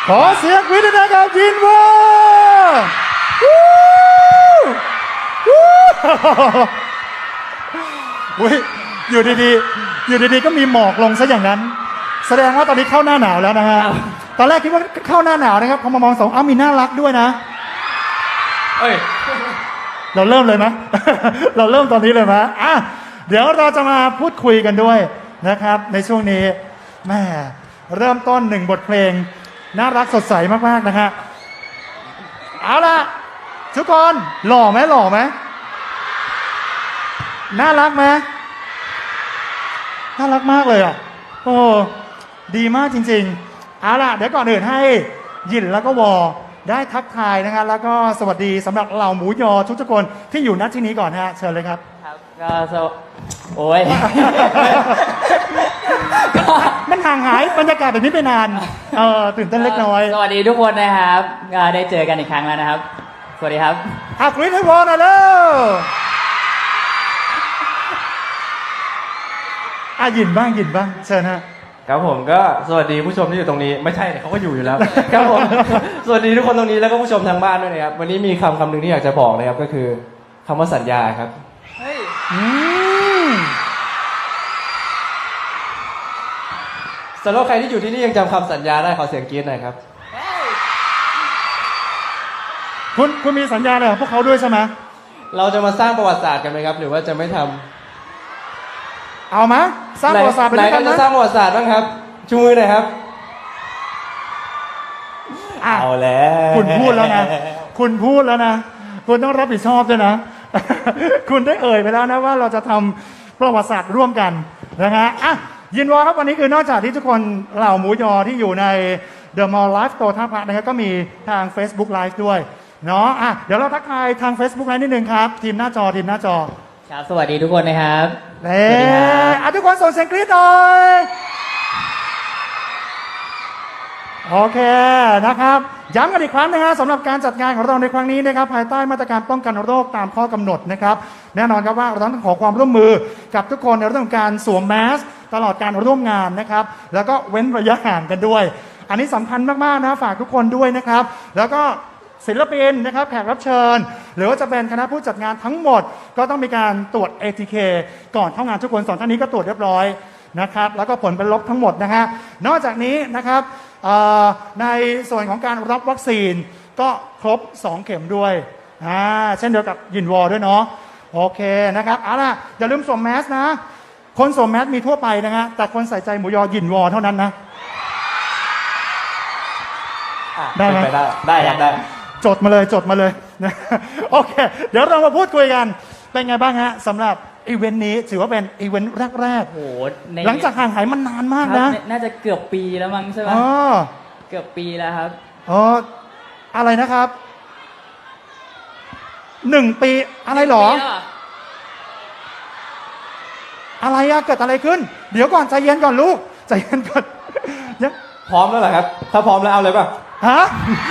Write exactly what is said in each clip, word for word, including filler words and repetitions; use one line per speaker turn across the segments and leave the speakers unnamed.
ขอเสียงวิทยากับยินวออุ้ยอยู่ดีๆอยู่ดีๆก็มีหมอกลงซะอย่างนั้นแสดงว่าตอนนี้เข้าหน้าหนาวแล้วนะฮะตอนแรกคิดว่าเข้าหน้าหนาวนะครับพอมามองสองอ้าวมีน่ารักด้วยนะ
เอ้ย
เราเริ่มเลยไหม เราเริ่มตอนนี้เลยไหมอ่ะเดี๋ยวเราจะมาพูดคุยกันด้วยนะครับในช่วงนี้แม่เริ่มต้นหนึ่งบทเพลงน่ารักสดใสมากๆนะฮะเอาล่ะทุกคนหล่อไหมหล่อไหมน่ารักไหมน่ารักมากเลยอ่ะโอ้ดีมากจริงๆเอาล่ะเดี๋ยวก่อนอื่นให้ยินแล้วก็วอได้ทักทายนะครับแล้วก็สวัสดีสำหรับเหล่าหมูยอทุกๆคนที่อยู่ณที่นี้ก่อนฮะเชิญเลยครับ
ครับก็สวโอ้ย
มันห่างหายบรรยากาศแบบนี้ไปนานเออตื่นเต้นเล็กน้อย
สวัสดีทุกคนนะครับได้เจอกันอีกครั้งแล้วนะครับสวัสดีครับ
อากรี๊ดให้วอหน่อยเร็วอ่ะยินบ้างยินบ้างเชิญฮะ
ครับผมก็สวัสดีผู้ชมที่อยู่ตรงนี้ไม่ใช่เขาก็อยู่อยู่แล้วครับผมสวัสดีทุกคนตรงนี้แล้วก็ผู้ชมทางบ้านด้วยนะครับวันนี้มีคำคำหนึ่งที่อยากจะบอกนะครับก็คือคำว่าสัญญาครับ
เฮ้ย
สำหรับใครที่อยู่ที่นี่ยังจำคำสัญญาได้ขอเสียงกรี๊ดหน่อยครับ
คุณคุณมีสัญญาอะไรกับพวกเขาด้วยใช่ไหม
เราจะมาสร้างประวัติศาสตร์กันไหมครับหรือว่าจะไม่ทำ
เอามาสร้างประวัติศาสตร์ไปด้วยกันนะ
ไหนจะสร้างประวัติศาสตร์บ้างครับชูมือหน่อยครับเอาแล้ว
คุณพูดแล้วนะคุณพูดแล้วนะคุณต้องรับผิดชอบด้วยนะ คุณได้เอ่ยไปแล้วนะว่าเราจะทำประวัติศาสตร์ร่วมกันนะฮะอ่ะยินวอครับวันนี้คือนอกจากที่ทุกคนเหล่าหมูยอที่อยู่ใน The Mall Live โตท่าพระนะครับก็มีทาง Facebook Live ด้วยเนาะอ่ะเดี๋ยวเราทักทายทาง Facebook Live นิดนึงครับทีมหน้าจอทีมหน้าจอ
ครับสวัสดีทุกคนนะครับ
เอ๊ะอ่ะทุกคนส่งเสียงกรี๊ดหน่อยโอเคนะครับย้ำกันอีกครั้งนะฮะสำหรับการจัดงานของเราในครั้งนี้นะครับภายใต้มาตรการป้องกันโรคตามข้อกำหนดนะครับแน่นอนครับว่าเราต้องขอความร่วมมือกับทุกคนในเรื่องของการสวมแมสตลอดการร่วมงานนะครับแล้วก็เว้นระยะห่างกันด้วยอันนี้สำคัญมากๆนะฝากทุกคนด้วยนะครับแล้วก็ศิลปินนะครับแขกรับเชิญหรือว่าจะเป็นคณะผู้จัดงานทั้งหมดก็ต้องมีการตรวจ เอ ที เค ก่อนเข้างานทุกคนสองท่านนี้ก็ตรวจเรียบร้อยนะครับแล้วก็ผลเป็นลบทั้งหมดนะฮะนอกจากนี้นะครับในส่วนของการรับวัคซีนก็ครบสองเข็มด้วยอ่าเช่นเดียวกับยินวอด้วยเนาะโอเคนะครับเอาล่ะอย่าลืมสวมแมสนะคนสวมแมสมีทั่วไปนะฮะแต่คนใส่ใจหมูยอยินวอเท่านั้นนะ
ได้ไหมได้ได้ครับได้
จดมาเลยจดมาเลยนะโอเคเดี๋ยวเรามาพูดคุยกันเป็นไงบ้างฮะสำหรับอีเวนต์นี้ถือว่าเป็นอีเวนต์แรกๆโอ้โหหลังจากห่างหายมันนานมากนะ
น่าจะเกือบปีแล้วมั้งใช่ไหม
อ๋อ
เกือบปีแล้วครับ
อ๋ออะไรนะครับหนึ่งปีอะไรหรออะไรอะเกิดอะไรขึ้นเดี๋ยวก่อนใจเย็นก่อนลูกใจเย็นก่อน
ยังพร้อมแล้วเหรอครับถ้าพร้อมแล้วเอาเลยป่ะ
ฮะ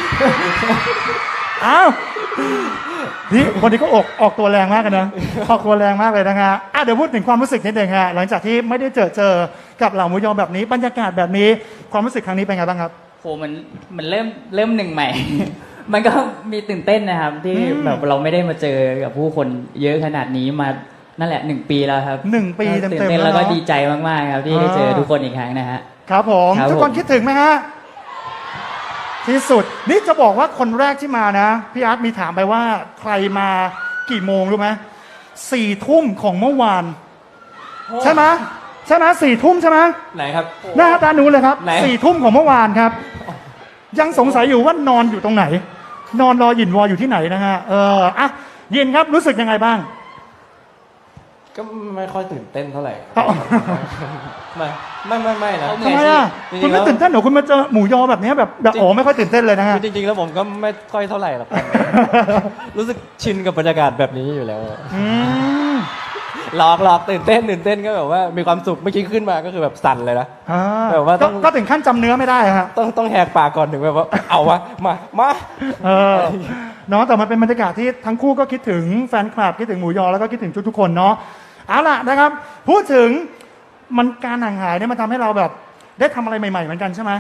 อ้าวนี่คนนี้ก็ออกออกตัวแรงมากกันนะออกตัวแรงมากเลยนะฮะอ่ะเดี๋ยวพูดถึงความรู้สึกนิดหนึ่งฮะหลังจากที่ไม่ได้เจอเจอกับเหล่าหมูยอแบบนี้บรรยากาศแบบนี้ความรู้สึกครั้งนี้เป็นไงบ้างครับ
โหมันมันเริ่มเริ่มหนึ่งใหม่ มันก็มีตื่นเต้นนะครับที่แบบเราไม่ได้มาเจอกับผู้คนเยอะขนาดนี้มานั่นแหละหนึ่งปีแล้วครับ
หนึ่งปีเต็มๆ
แล้วก็ดีใจมากๆครับที่ได้เจอทุกคนอีกครั้งนะฮะ
ครับผมทุกคนคิดถึงไหมฮะที่สุดนี่จะบอกว่าคนแรกที่มานะพี่อาร์ตมีถามไปว่าใครมากี่โมงรู้ไหมสี่ทุ่มของเมื่อวานใช่ไหมใช่ไหมสี่ทุ่มใช่ไหม
ไหนครับ
หน้าตาหนูเลยครับสี่ทุ่มของเมื่อวานครับยังสงสัยอยู่ว่านอนอยู่ตรงไหนนอนรอหยินวออยู่ที่ไหนนะฮะเอออ่ะยินครับรู้สึกยังไงบ้าง
ก็ไม่ค่อยตื่นเต้นเท่าไหร่ไม่ไม่ไม่ไม่นะ
ทำไมอ่ะคุณไม่ตื่นเต้นหรอคุณมาเจอหมูยอแบบนี้แบบแบบโอ้ไม่ค่อยตื่นเต้นเลยนะฮะ
จริงๆแล้วผมก็ไม่ค่อยเท่าไหร่หรอกรู้สึกชินกับบรรยากาศแบบนี้อยู่แล้วหลอกหลอกตื่นเต้นตื่นเต้นก็แบบว่ามีความสุขเมื่อกี้ขึ้นมาก็คือแบบสั่นเลยนะแบบว่าต้อง
ก็ถึงขั้นจำเนื้อไม่ได้ฮะ
ต้องต้องแหกปากก่อนถึงแบบว่าเอาวะมามา
เออเนาะแต่มันเป็นบรรยากาศที่ทั้งคู่ก็คิดถึงแฟนคลับคิดถึงหมูยอแล้วก็คิดถึงทุกๆคนเนาะเอาล่ะนะครับพูดถึงมันการห่างหายเนี่ยมันทำให้เราแบบได้ทำอะไรใหม่ๆเหมือนกันใช่ไหม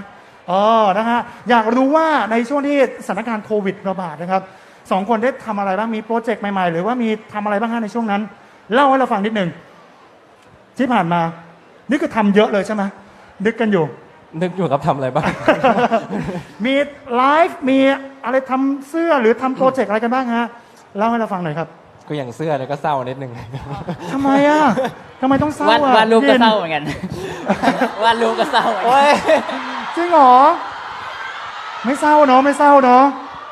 เออนะฮะอยากรู้ว่าในช่วงที่สถานการณ์โควิดระบาดนะครับสองคนได้ทำอะไรบ้างมีโปรเจกต์ใหม่ๆ หรือว่ามีทำอะไรบ้างฮะในช่วงนั้น เล่าให้เราฟังนิดหนึ่งที่ผ่านมานี่คือทำเยอะเลยใช่ไหมนึกกันอยู่
นึกอยู่ครับทำอะไรบ้าง
มีไลฟ์มีอะไรทำเสื้อหรือทำโปรเจกต์อะไรกันบ้างฮะเล่าให้เราฟังหน่อยครับ
ก็อย่างเสื้อเนี่ยก็เศร้านิดนึง
ทำไมอ่ะทำไมต้องเศร้าว
าด
อ่ะ
วาดรูปก็
ย็น
เศร้าเหมือนกัน วาดรูปก็เศร้าเหมือนกัน
โอ้ย
จริงเหรอไม่เศร้าเนาะไม่เศร้าเนาะ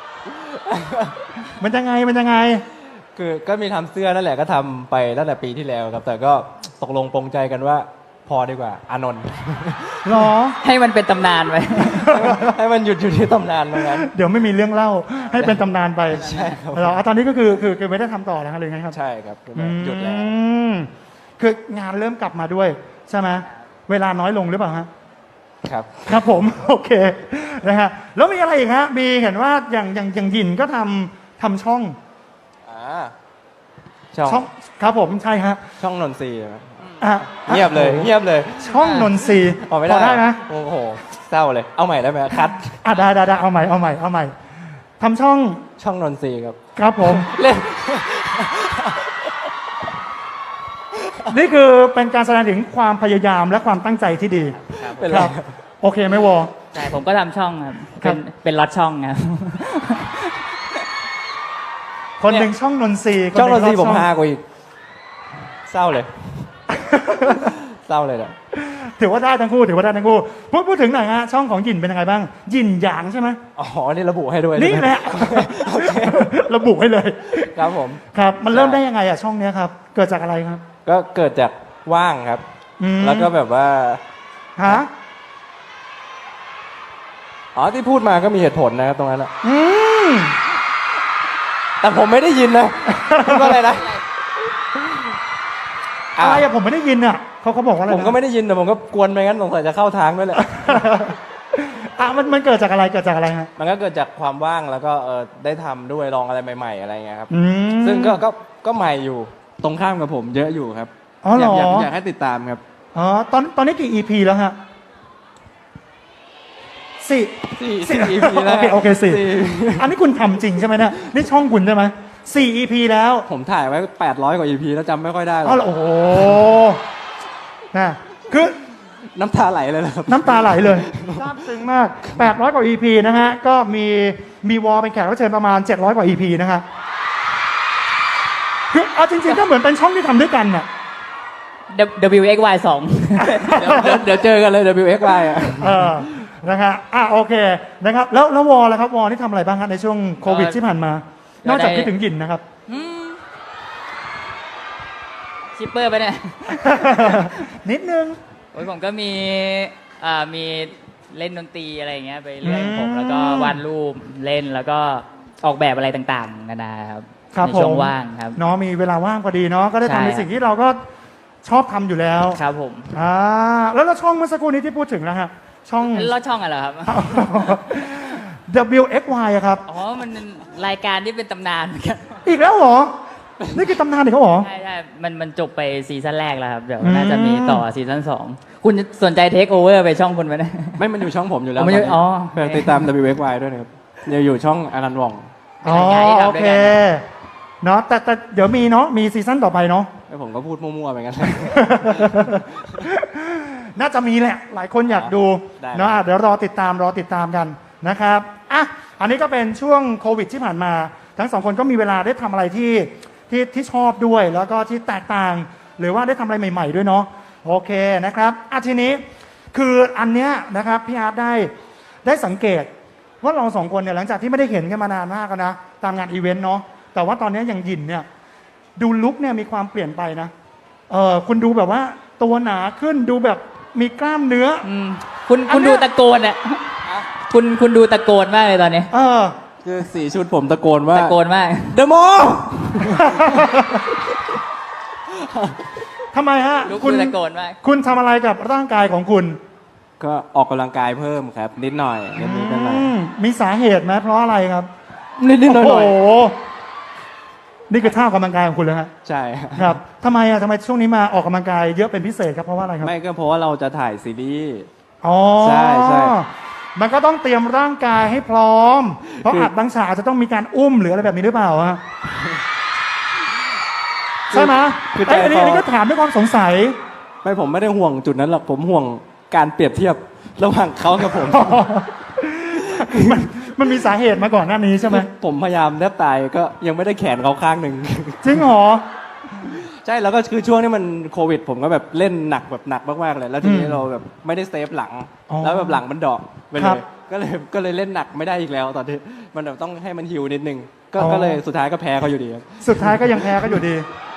มันยังไงมันยังไง
คือก็มีทำเสื้อนั่นแหละก็ทำไปตั้งแต่ปีที่แล้วครับ แต่ก็ตกลงปรงใจกันว่าพอดีกว่าอานนท์
หรอ
ให้มันเป็นตำนานไป
ให้มันหยุดอยู่ที่ตำนานตรงนั้น
เดี๋ยวไม่มีเรื่องเล่าให้เป็นตำนานไป
ใช่ครับ
เหรออ่ะตอนนี้ก็คือคือคือไม่ได้ทำต่อแล้วฮะหรือไงครับ
ใช่ครับคือแบบหยุดแล้ว
อืมคืองานเริ่มกลับมาด้วยใช่ไหมเวลาน้อยลงหรือเปล่าฮะ
ครับ
ครับผม โอเคนะฮะแล้วมีอะไรอีกฮะมีเห็นว่าอย่างอย่างอย่างหยินก็ทำทำช่อง
อ่าช่อง
ช่องครับผมใช่ฮะ
ช่องนนทรีย์ไหม
อ่ะ
เงียบเลยเงียบเลย
ช่องนนทรีย์
ออกไม่
พ
ได้
อได้ไหม
โอ้โหเศร้าเลย เอาใหม่ได้ไหมคัด
อ่ะได้ได้ได้เอาใหม่เอาใหม่เอาใหม่ทำช่อง
ช่องนนทรีย์ครับ
ครับผม
เล่น
นี่คือเป็นการแสดงถึงความพยายามและความตั้งใจที่ดี
เป็น
ค
ไร
รับโอเคไหมวอ
ใช่ผมก็ทำช่องครับ
ครั
เป็
บ
นเป็นล็อตช่องครับ
คนหนึ่งช่องนนทรีย์
ช่องนนทรีย์
ค
ผม
ห
ฮากว่าอีกเศร้าเลย เศร้าเลยนะ
ถือว่าได้ทั้งคู่ถือว่าได้ทั้งคู่พูดพูดถึงหน่อยฮะช่องของหยินเป็นยังไงบ้างหยินหยางใช่ไหม
อ๋อ นี่ระบุให้ด้วย
นี่
ใช่ไม
แหละ
โอเค
ระบุให้เลย
ครับผม
ครับ มันเริ่ม
ใช่
ได้ยังไงอะช่องเนี้ยครับ เกิดจากอะไรครับ
ก็เกิดจากว่างครับ
อืม
แล้วก็แบบว่า
ฮะ
อ๋อ ที่พูดมาก็มีเหตุผลนะครับตรงนั้นอะ
อืม
แต่ผมไม่ได้ยินนะ พูดว่าอะไรนะ
อะไรอะผมไม่ได้ยินอะเขาเขาบอกว่าอะไร
ผมก็ไม่ได้ยินแต่ผมก็กวนไปงั้นสงสัยจะเข้าทางด้วยแหละ
อ่ะมันมันเกิดจากอะไรเกิดจากอะไรฮะ
มันก็เกิดจากความว่างแล้วก็เออได้ทำด้วยลองอะไรใหม่ ๆ อะไรเงี้ยครับ
อืม
ซึ่งก็ก็ก็ใหม่อยู่
ตรงข้ามกับผมเยอะอยู่ครับ
อ๋อเหรอ
ยากอยากให้ติดตามครับ
อ๋อตอนตอนนี้กี่ อี พี แล้วฮะสี่
สี่
สี่
สี่ อี พี แล้ว
โอเคโอเคสี่
สี่
อันนี้คุณทำจริงใช่ไหมเนี่ยนี่ช่องคุณใช่ไหมสี่ อี พี แล้ว
ผมถ่ายไว้แปดร้อยกว่า อี พี แล้วจำไม่ค่อยได้หร
อ๋
อ
อก เหรอโอ้โหนะคือ
น้ำตาไหลเลยนะครับ
น้ำตาไหลเลยซาบซึ้งมากแปดร้อยกว่า อี พี นะฮะ ก็มีมีวอลเป็นแขกรับเชิญประมาณเจ็ดร้อยกว่า อี พี นะฮะคือเอาจริงๆก็เหมือนเป็นช่องที่ทำด้วยกันน่ะ
W X Y สอง
เดี๋ยวเดี๋ยวเดี๋ยวเจอกันเลย ดับเบิลยู เอ็กซ์ วาย อ่ะ
เออ นะฮะอ่ะโอเค นะครับ แล้วแล้ววอลล่ะครับ วอลนี่ทำอะไรบ้างครับในช่วงโควิดที่ผ่านมา นอกจากคิดถึงหยินนะครับ
ชิปเปอร์ไปะเนี่ย
นิดนึง
โอ้ยผมก็มีอ่ามีเล่นดนตรีอะไรอย่างเงี้ยไปเรื่อย
อืม
ผมแล้วก็วาดรูปเล่นแล้วก็ออกแบบอะไรต่างๆนานาครับ
ครับ
ใน
ผม
ช่วงว่างครับ
เนาะมีเวลาว่างพอดีเนาะ ก็ได้
ใช่
ทำในสิ่งที่เราก็ชอบทำอยู่แล้ว
ครับผม
อ่า แล้วแล้วช่องเมื่อสักครู่นี้ที่พูดถึงนะฮะ ช่อง
แล้วช่องอะไรอครับ
W X Y อะครับ
อ๋อ มันเป็นรายการที่เป็นตำนานเหมือนกัน
อีกแล้วเหรอ นี่คือตำนานอีกแล้วเหรอ
ใช่ใช่มันมันจบไปซีซั่นแรกแล้วครับ เดี๋ยว
อืม
น่าจะมีต่อซีซั่นสองคุณสนใจเทคโอเวอร์ไปช่องคุณไหมเนี่ย
ไม่มันอยู่ช่องผมอยู่แล้ว
อ๋อมันอยู่
ตนนี้
อ๋อ
ฝากติดตาม ดับเบิลยู เอ็กซ์ วาย ด้วยนะครับเดี๋ยวอยู่ช่องอนันต์หว่อง
อ๋อ
รายการที่ทำด้วยกัน
โอเค เนาะ แต่แต่เดี๋ยวมีเนาะ มีซีซั่นต่อไปเนาะ
แล้วผมก็พูดมั่วๆไปงั้น
น่าจะมีแหละ หลายคนอยากดู
ได้
เนาะอ่ะเดี๋ยวรอติดตามรอติดตามกันนะครับอ่ะอันนี้ก็เป็นช่วงโควิดที่ผ่านมา ทั้งสองคนก็มีเวลาได้ทำอะไรที่ที่ที่ชอบด้วย แล้วก็ที่แตกต่าง หรือว่าได้ทำอะไรใหม่ ๆ ด้วยเนาะโอเคนะครับอ่ะทีนี้คืออันเนี้ยนะครับพี่อาร์ตได้ได้สังเกต ว่าเราสองคนเนี่ยหลังจากที่ไม่ได้เห็นกันมานานมากแล้วนะตามงานอีเวนต์เนาะแต่ว่าตอนนี้อย่างหยินเนี่ยดูลุคเนี่ยมีความเปลี่ยนไปนะเออคุณดูแบบว่าตัวหนาขึ้นดูแบบมีกล้ามเนื้อ
อืมคุณ
อัน
คุณ
เนี้ย
ดูตะโกนอ่ะคุณคุณดูตะโกนมากเลยตอนนี้
เออ
คือสี่ชุดผมตะโกนว่า
ตะโกนมาก
เดอะโม
ทำไมฮะ
ลุก
คุณ
ดูตะโกนมาก
คุณทำอะไรกับร่างกายของคุณ
ก็ออกกำลังกายเพิ่มครับ นิดหน่อยนิดนิดหน่อย
อืมมีสาเหตุไหมเพราะอะไรครับ
นิดนิดหน่อยหน่อย
โอ้โหนี่คือท่าออกกำลังกายของคุณเลยฮะ
ใช่
ครับทำไมอ่ะทำไมช่วงนี้มาออกกำลังกายเยอะเป็นพิเศษครับเพราะว่าอะไรครับ
ไม่ก็เพราะว่าเราจะถ่ายซีรีส์
อ๋อ
ใช่ใช่
มันก็ต้องเตรียมร่างกายให้พร้อม เพราะอัดบางฉากอาจจะต้องมีการอุ้มหรืออะไรแบบนี้หรือเปล่าฮะใช่ไหม
คือใจ
ไอ้ยอันนี้
คอ
อันนี้ก็ถามด้วยความสงสัย
ไม่ผมไม่ได้ห่วงจุดนั้นหรอกผมห่วงการเปรียบเทียบระหว่างเขากับผม
มันมันมีสาเหตุมาก่อนหน้านี้ใช่ไหม
ผมพยายามแทบตายก็ยังไม่ได้แขนเขาข้างหนึ่ง
จริงเหรอ
ใช่แล้วก็คือช่วงที่มันโควิด ผมก็แบบเล่นหนักแบบหนักมากๆเลย แล้วทีนี้
อืม
เราแบบไม่ได้เซฟหลัง
อ๋อ
แล้วแบบหลังมันดอกไป
ค
เล
รับ
ยก็เลยก็เลยเล่นหนักไม่ได้อีกแล้วตอนที่มันแบบต้องให้มันฮิวนิดนึงก็
อ๋อ
ก็เลยสุดท้ายก็แพ้เขาอยู่ดีครับ
สุดท้ายก็ยังแพ้ก็อยู่ดี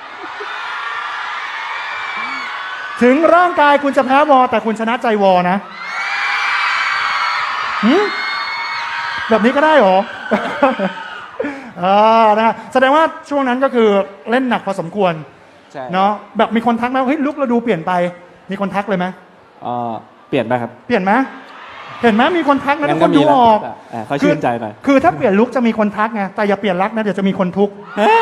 ถึงร่างกายคุณจะแพ้วอแต่คุณชนะใจวอนะหืมแบบนี้ก็ได้เหรอ อ่านะฮะแสดงว่าช่วงนั้นก็คือเล่นหนักพอสมควร
ใช่
เนาะแบบมีคนทักไหมว่าเฮ้ยลุกเราดูเปลี่ยนไป มีคนทักเลยไหม
เอ่อเปลี่ยนไปครับ
เปลี่ยนไหมเห็นไหมมีคนทักนะทุกคนดูออก
เออเขาชื่นใจหน่อย
คือถ้าเปลี่ยนลุกจะมีคนทักไงแต่อย่าเปลี่ยนรักนะเดี๋ยวจะมีคนทุกข์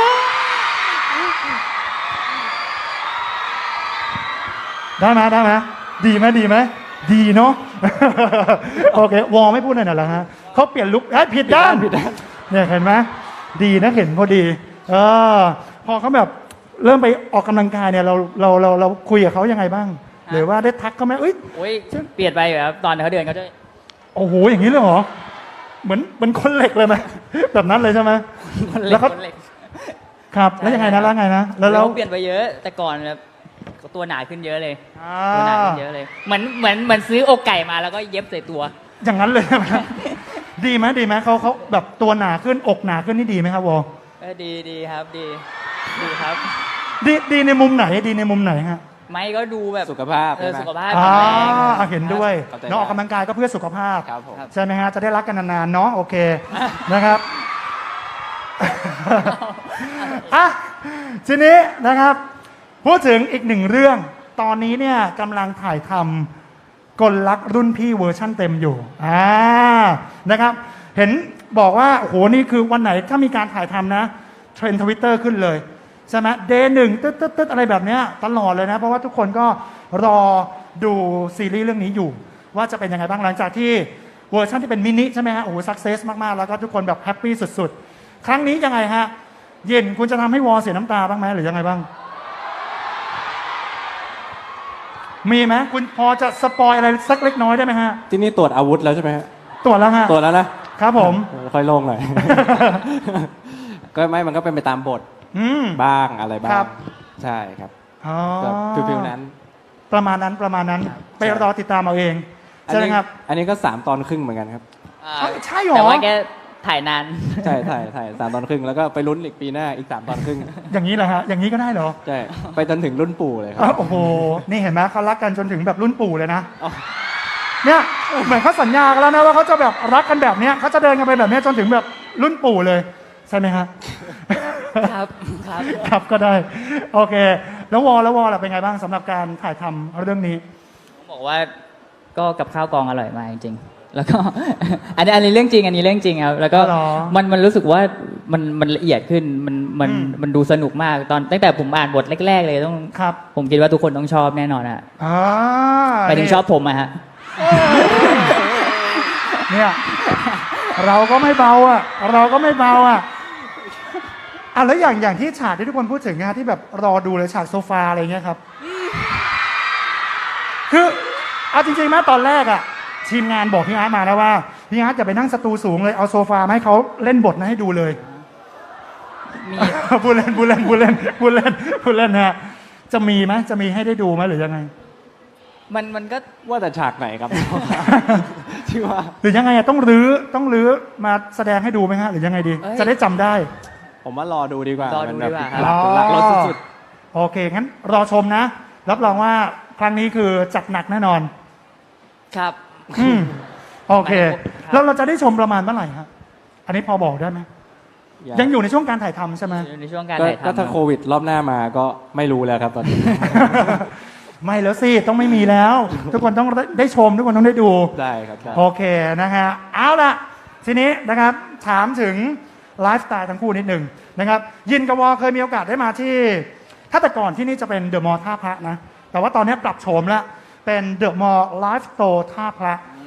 ได้ไหมได้ไหมดีไหมดีไหมดีเนาะ โอเควอไม่พูดหน่อยเหรอฮะเขาเปลี่ยนลุกเอ้ยผิดด้าน
ผิดด้าน
เนี่ยเห็นไหมดีนะเห็นพอดีเออพอเขาแบบเริ่มไปออกกำลังกายเนี่ยเราเราเราเราคุยกับเขายังไงบ้าง หรือว่าได้ทักเขาไหมเอ้ย
โอ้ยเปลี่ยนไปอยู่ครับตอนเขาเดินเขาจะ
โอ้โหอย่างนี้เลยเหรอเหมือนเหมือนคนเหล็กเลยไหม แบบนั้นเลยใช่ไหม
คน
แล้
เล็ก
วเขา
คนเล็ก
ครับแล้วยังไงนะแล้วไงนะแล้วแล้ว
เขาเปลี่ยนไปเยอะ แต่ก่อนแบบตัวหนาขึ้นเยอะเลย
อ่า
ตัวหนาขึ้นเยอะเลย เหมือนเหมือนเหมือนซื้ออกไก่มาแล้วก็เย็บใส่ตัว
อย่างนั้นเลยใช่ไหม ดีไหมดีไหมเขาเขาแบบตัวหนาขึ้นอกหนาขึ้นนี่ดีไหมครับวอ
เออดีดีครับดีดีครับ
ดีดีในมุมไหนดีในมุมไหนฮะ
ไม่ก็ดูแบบ
สุขภาพ
เออ
ใช่ไหม
สุขภาพ
อ่า
แข็งแรง
อ่ะเห็นด้วย
เข้าใจ
เนาะออกกำลังกายก็เพื่อสุขภาพ
ครับผม
ใช่ไหมฮะจะได้รักกันนานๆเนาะโอเค นะครับ อ่ะทีนี้นะครับ พูดถึงอีกหนึ่งเรื่อง ตอนนี้เนี่ยกำลังถ่ายทำกลลักรุ่นพี่เวอร์ชั่นเต็มอยู่อ่านะครับ เห็นบอกว่าโอ้โหนี่คือวันไหนถ้ามีการถ่ายทำนะ เทรนด์ทวิตเตอร์ขึ้นเลย ใช่ไหมเดย์หนึ่งตึ๊ดตึ๊ดตึ๊ดอะไรแบบเนี้ยตลอดเลยนะ เพราะว่าทุกคนก็รอดูซีรีส์เรื่องนี้อยู่ ว่าจะเป็นยังไงบ้างหลังจากที่เวอร์ชันที่เป็นมินิใช่ไหมฮะโอ้โหสักเซสมาก ๆ แล้วก็ทุกคนแบบแฮปปี้สุด ๆ ครั้งนี้ยังไงฮะ เย็นคุณจะทำให้วอเสียน้ำตาบ้างไหมหรือยังไงบ้าง มีไหมคุณพอจะสปอยอะไรสักเล็กน้อยได้ไหมฮะ
ที่นี่ตรวจอาวุธแล้วใช่ไหมฮะ
ตรวจแล้วฮะ
ตรวจแล้วนะครับ
ผม
เออค่อยโล่งหน่อย ก็ไม่มันก็เป็นไปตามบท
อืม
บ้างอะไรบ้า
ครั
ง
บ
ใช่ครับ
อ๋อ
ก็ฟิลๆนั้น
ประมาณนั้นประมาณนั้น ไปรอติดตามเอาเอง
อัน
ใช่ไหม
นี้
ครับ
อันนี้ก็สามตอนครึ่งเหมือนกันครับ
อ่า
เอ้าใช่เหรอ
แต่ว่าแกถ่ายนาน
ใช่ถ่ายถ่ายสามตอนครึ่งแล้วก็ไปลุ้นอีกปีหน้าอีกสามตอนครึ่ง
อย่างนี้เหรอฮะอย่างนี้ก็ได้เหรอ
ใช่ไปจนถึงรุ่นปู่เลยครั
อ้า
บ
วโอ้โห นี่เห็นไหมเขารักกันจนถึงแบบรุ่นปู่เลยนะ
อ๋อ
เนี่ยเหมือนเขาสัญญากันแล้วนะว่าเขาจะแบบรักกันแบบเนี้ยเขาจะเดินกันไปแบบเนี้ยจนถึงแบบรุ่นปู่เลย ใช่ไหมฮะ
ครับครับ
ครับก็ได้ โอเค แล้ววอลแล้ววอลล่ะเป็นไงบ้างสำหรับการถ่ายทำเรื่องนี้
ต้องบอกว่าก็กับข้าวกองอร่อยมากจริงๆ แล้วก็ อันนี้อันนี้เรื่องจริง อันนี้เรื่องจริงครับ แล้วก็
อ๋อ
มันมันรู้สึกว่ามันมันละเอียดขึ้นมันมัน
อืม
มันดูสนุกมากตอนตั้งแต่ผมอ่านบทแรก ๆ เลยต้อง
ครับ
ผมคิดว่าทุกคนต้องชอบแน่นอนอะ
อ่า
ไปถึงชอบผมอะฮะ
เนี่ยเราก็ไม่เบาอ่ะ เราก็ไม่เบาอ่ะอ่ะแล้วอย่างอย่างที่ฉากที่ทุกคนพูดถึงนะที่แบบรอดูเลยฉากโซฟาอะไรเงี้ยครับ คือเอาจริงๆนะตอนแรกอ่ะ ทีมงานบอกพี่อาร์ตมาแล้วว่าพี่อาร์ตอย่าไปนั่งสตูสูงเลยเอาโซฟามาให้เขาเล่นบทนะให้ดูเลย
มี
พูดเล่นพูดเล่นพูดเล่นพูดเล่นพูดเล่นฮะจะมีไหมจะมีให้ได้ดูไหมหรือยังไง
มันมันก็
ว่าแต่ฉากไหนครับ ที่ว่า
หรือยังไงอะต้องรื้อต้องรื้อมาแสดงให้ดูไหมฮะหรือยังไงดี จะได้จำได้
ผมว่ารอดูดีกว่าร
อดู
มันแบบ
ดีกว่าครับ
หลักหลักรถสุด
โอเค งั้นรอชมนะ รับรองว่าครั้งนี้คือจัดหนักแน่นอน
ครับ
อืมโอเค
ครับ
แล้วเราจะได้ชมประมาณเมื่อไหร่ฮะอันนี้พอบอกได้ไหม
ๆ
ยังอยู่ในช่วงการถ่ายทำใช่ไหม
ในช่วงการ
ก็
ถ่าย
ก็
ทำ
ถ้าโควิดรอบหน้ามาก็ไม่รู้แล้วครับตอนนี้
ไม่แล้วสิ ต้องไม่มีแล้ว ทุกคนต้องได้ชม ทุกคนต้องได้ดู
ได้ครับได้
โอเคนะฮะเอาละทีนี้นะครับถามถึงไลฟ์สไตล์ทั้งคู่นิดหนึ่งนะครับยินกับวอเคยมีโอกาสได้มาที่ ถ้าแต่ก่อนที่นี่จะเป็นเดอะมอลล์ท่าพระนะ แต่ว่าตอนนี้ปรับโฉมแล้วเป็นเดอะมอลล์ไลฟ์สโตร์ท่าพระ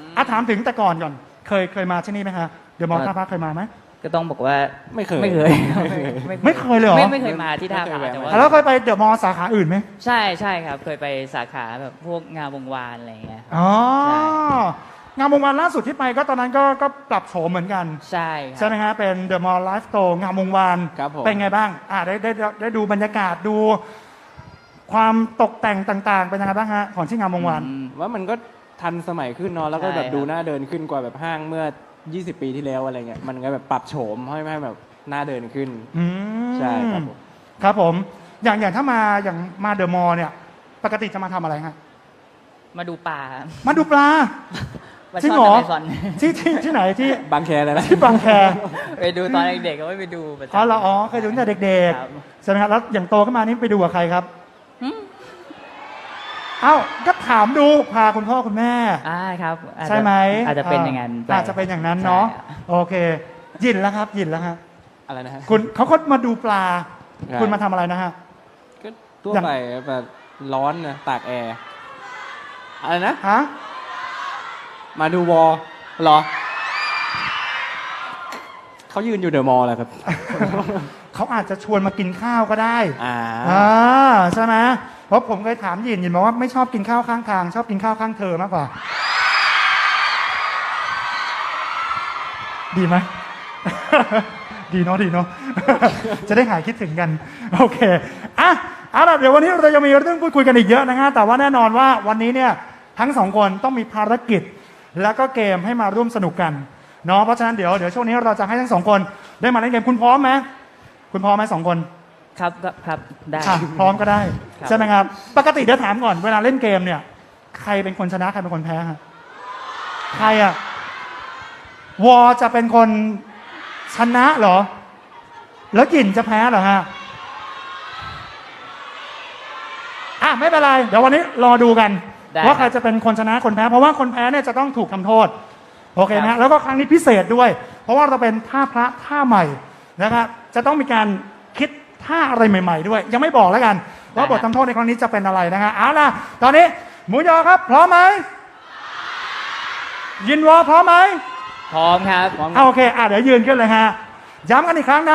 อ่ะถามถึงแต่ก่อนก่อน เคยเคยมาที่นี่ไหมฮะเดี๋ยวมอท่าพระเคยมาไหม
ก็ต้องบอกว่า
ไม่เคย
ไม่เคย
ไม่เคยเลยเหรอ
ไม่ไม่เคยมาที่ท่าพระ
ไม่เคย
แต่
แวะ
ว่า
อ่ะแล้วเคยไปเดอะมอลล์สาขาอื่นไหม
ใช่ใช่ครับ เคยไปสาขาแบบพวกงานวงวานอะไรอย่างเงี้ยครับ
อ๋อ
ใช่
งานวงวันล่าสุดที่ไปก็ตอนนั้นก็ก็ปรับโฉมเหมือนกัน
ใช่ค
ใช่
รับ
ไหมฮะเป็นเดอะมอลล์ไลฟ์โตร์งานวงวาน
ครับผม
เป็นไงบ้างอ่าได้ได้ได้ได้ดูบรรยากาศดู ความตกแต่งต่างๆ เป็นยังไงบ้างฮะของที่งานวงวาน
อืม
ว่ามันก็ทันสมัยขึ้นเนาะแล้วก็แบบ
ใช่ครับ
ดูน่าเดินขึ้นกว่าแบบห้างเมื่อ ยี่สิบ ปีที่แล้วอะไรเงี้ยมันก็แบบปรับโฉมให้ให้แบบน่าเดินขึ้น
อืม
ใช่ครับผม
ครับผม อย่างอย่างถ้ามาอย่างมาเดอะมอลล์เนี่ย ปกติจะมาทำอะไรฮะ
มาดูปลา
มาดูปลา
มา
จริง
ช่อน
เหรอ
อเมซอน
ที่ที่ที่ไหนที่
บางแคเลยนะ
ที่บางแค
ไปดูตอนเด็กๆก็ไม่ไปดูประจำ
อ๋อเหรออ๋อเคยดูตั้งแต่เด็ก
ครับ
ๆใช่ไหมครับแล้วอย่างโตขึ้นมานี่ไปดูกับใครครับ
อืม
เอ้าก็ถามดูพาคุณพ่อคุณแม่
อ่าครับอาจจะ
ใช่ไหม
อาจจะเป็นอย่างนั้นไป
อาจจะเป็นอย่างนั้นเนาะ
ใช่
โอเค ยินแล้วครับ ยินแล้วฮะ
อะไรนะฮะ
คุณเขาก็มาดูปลา
ใช่
คุณมาทำอะไรนะฮะ
ก็ทั่ว
อย่าง
ไปแบบร้อนนะตากแอร์อะไรนะ
ฮะ
มาดูวอลเหรอ เขายืนอยู่เดอะมอลล์แหละครับ
เขาอาจจะชวนมากินข้าวก็ได้
อ่า
อ่าใช่ไหมเพราะผมเคยถามยินยินบอกว่าไม่ชอบกินข้าวข้างทาง ชอบกินข้าวข้างเธอมากกว่า ดีไหม ดีเนาะดีเนาะ จะได้หายคิดถึงกัน โอเคอ่ะเอาล่ะเดี๋ยววันนี้เราจะมีเรื่องพูดคุยกันอีกเยอะนะฮะแต่ว่าแน่นอนว่าวันนี้เนี่ยทั้งสองคนต้องมีภารกิจ แล้วก็เกมให้มาร่วมสนุกกันเนาะเพราะฉะนั้นเดี๋ยวเดี๋ยวช่วงนี้เราจะให้ทั้งสองคนได้มาเล่นเกมคุณพร้อมไหมคุณพร้อมไหมสองคน
ครับก็ครับได้
อ่ะพร้อมก็ได้
ครับ
ใช่ไหมครับ ปกติเดี๋ยวถามก่อนเวลาเล่นเกมเนี่ย ใครเป็นคนชนะใครเป็นคนแพ้ฮะใครอะวอจะเป็นคนชนะเหรอ แล้วหยินจะแพ้เหรอฮะอ่ะไม่เป็นไรเดี๋ยววันนี้รอดูกัน
ได้
ว่าใคร
ครับ
จะเป็นคนชนะคนแพ้ เพราะว่าคนแพ้เนี่ยจะต้องถูกทำโทษโอเคไหม
ครั
ฮะ
บ
แล้วก็ครั้งนี้พิเศษด้วย เพราะว่าเราเป็นท่าพระท่าใหม่นะครับจะต้องมีการคิดท่าอะไรใหม่ ๆ ด้วย ยังไม่บอกแล้วกันว่าบททำโทษในครั้งนี้จะเป็นอะไรนะฮะเอาล่ะตอนนี้หมูยอครับ พร้อมไหมยินวอพร้อมไหม
พร้อมครับ
เอาโอเคอ่ะเดี๋ยวยืนขึ้นเลยฮะย้ำกันอีกครั้งนะ